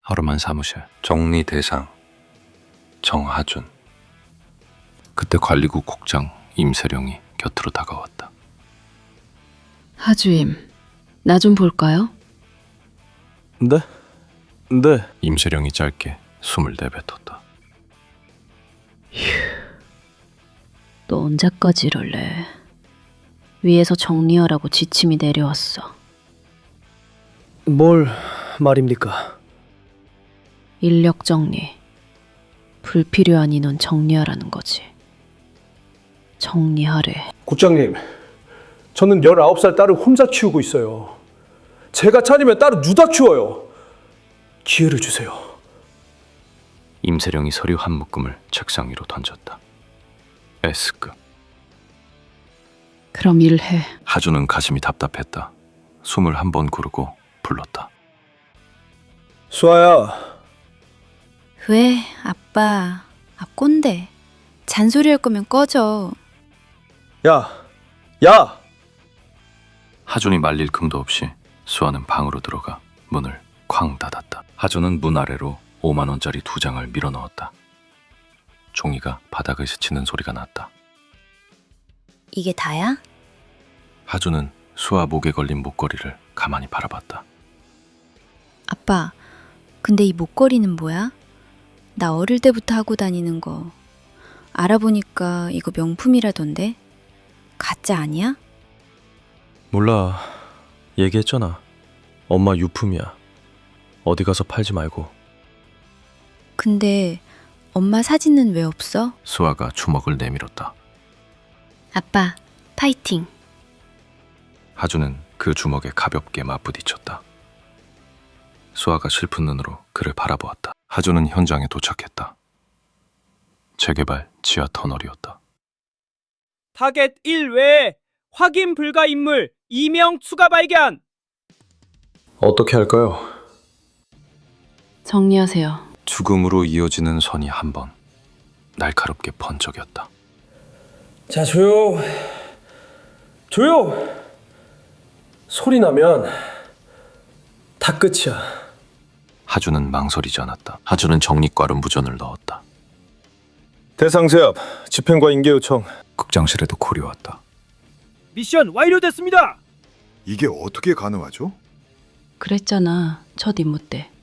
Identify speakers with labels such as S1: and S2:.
S1: 하루만 사무실.
S2: 정리 대상 정하준.
S1: 그때 관리국 국장 임세령이 곁으로 다가왔다.
S3: 하주임, 나 좀 볼까요?
S4: 네? 네.
S1: 임세령이 짧게 숨을 내뱉었다.
S3: 너 언제까지 이럴래? 위에서 정리하라고 지침이 내려왔어.
S4: 뭘 말입니까?
S3: 인력 정리. 불필요한 인원 정리하라는 거지. 정리하래.
S5: 국장님, 저는 19살 딸을 혼자 키우고 있어요. 제가 차리면 딸은 누다 키워요. 기회를 주세요.
S1: 임세령이 서류 한 묶음을 책상 위로 던졌다. S급.
S3: 그럼 일해.
S1: 하주는 가슴이 답답했다. 숨을 한 번 고르고 불렀다.
S5: 수아야,
S6: 왜, 아빠. 꼰대. 잔소리 할 거면 꺼져.
S5: 야!
S1: 하준이 말릴 틈도 없이 수아는 방으로 들어가 문을 쾅 닫았다. 하준은 문 아래로 5만 원짜리 2장을 밀어 넣었다. 종이가 바닥을 스치는 소리가 났다.
S6: 이게 다야?
S1: 하준은 수아 목에 걸린 목걸이를 가만히 바라봤다.
S6: 아빠, 근데 이 목걸이는 뭐야? 나 어릴 때부터 하고 다니는 거. 알아보니까 이거 명품이라던데? 가짜 아니야?
S4: 몰라. 얘기했잖아. 엄마 유품이야. 어디 가서 팔지 말고.
S6: 근데 엄마 사진은 왜 없어?
S1: 수아가 주먹을 내밀었다.
S6: 아빠, 파이팅.
S1: 하준은 그 주먹에 가볍게 맞부딪혔다. 수아가 슬픈 눈으로 그를 바라보았다. 하준은 현장에 도착했다. 재개발 지하 터널이었다.
S7: 타겟 1 외에 확인 불가 인물 2명 추가 발견.
S4: 어떻게 할까요?
S3: 정리하세요.
S1: 죽음으로 이어지는 선이 한 번 날카롭게 번쩍였다.
S5: 자, 조용. 소리 나면 다 끝이야.
S1: 하준은 망설이지 않았다. 하준은 정리과로 무전을 넣었다.
S4: 대상 제압, 집행과 인계 요청.
S1: 극장실에도 콜이 왔다.
S7: 미션 완료됐습니다.
S8: 이게 어떻게 가능하죠?
S3: 그랬잖아, 첫 임무 때.